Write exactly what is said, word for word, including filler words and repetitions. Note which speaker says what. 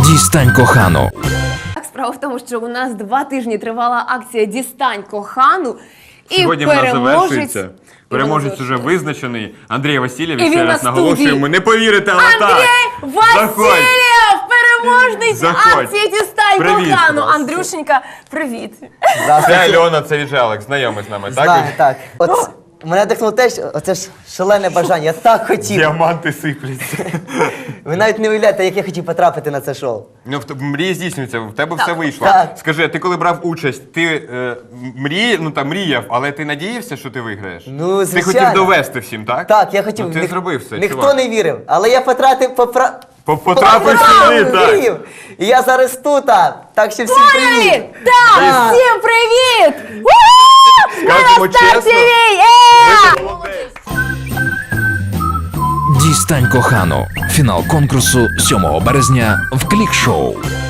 Speaker 1: Дістань кохану.
Speaker 2: Справа в тому, що у нас два тижні тривала акція «Дістань кохану». І
Speaker 3: Сьогодні вона
Speaker 2: переможець...
Speaker 3: завершується. Переможець уже визначений. Андрій Васильєв,
Speaker 2: І він
Speaker 3: ще
Speaker 2: на
Speaker 3: раз
Speaker 2: студії.
Speaker 3: наголошуємо. Не повірите, але так.
Speaker 2: Андрій Васильєв! Переможець
Speaker 3: Заходь.
Speaker 2: акції «Дістань
Speaker 3: Привіт.
Speaker 2: кохану». Андрюшенька, привіт.
Speaker 3: Це Альона, це Віжалик, знайомий з нами, так?
Speaker 4: Знаю, так. От мене дихнуло те, що оце ж шалене бажання. Я так хотів.
Speaker 3: Діаманти сипляться.
Speaker 4: Ви навіть не уявляєте, як я хотів потрапити на це шоу.
Speaker 3: Ну, в т- мрії здійснюються, в тебе все вийшло.
Speaker 4: Так.
Speaker 3: Скажи, а ти коли брав участь, ти е, мрій, ну, там, мріяв, але ти надіявся, що ти виграєш?
Speaker 4: Ну,
Speaker 3: Ти
Speaker 4: звичайно.
Speaker 3: хотів довести всім, так?
Speaker 4: Так, я хотів.
Speaker 3: Ну, ти
Speaker 4: Ніх-
Speaker 3: зробив все,
Speaker 4: Ніхто
Speaker 3: чувак.
Speaker 4: не вірив, але я потратив попра...
Speaker 3: По- Потрапив сюди, так.
Speaker 4: вірив. І я зараз тут, а. Так що всім привіт.
Speaker 2: Привіт! Так,
Speaker 4: Так.
Speaker 2: всім привіт! У-ху! Ми
Speaker 3: Скажемо
Speaker 2: на старті
Speaker 3: чесно,
Speaker 2: вій! Е!
Speaker 1: Дістань кохану. Фінал конкурсу сьомого березня в Клік-шоу.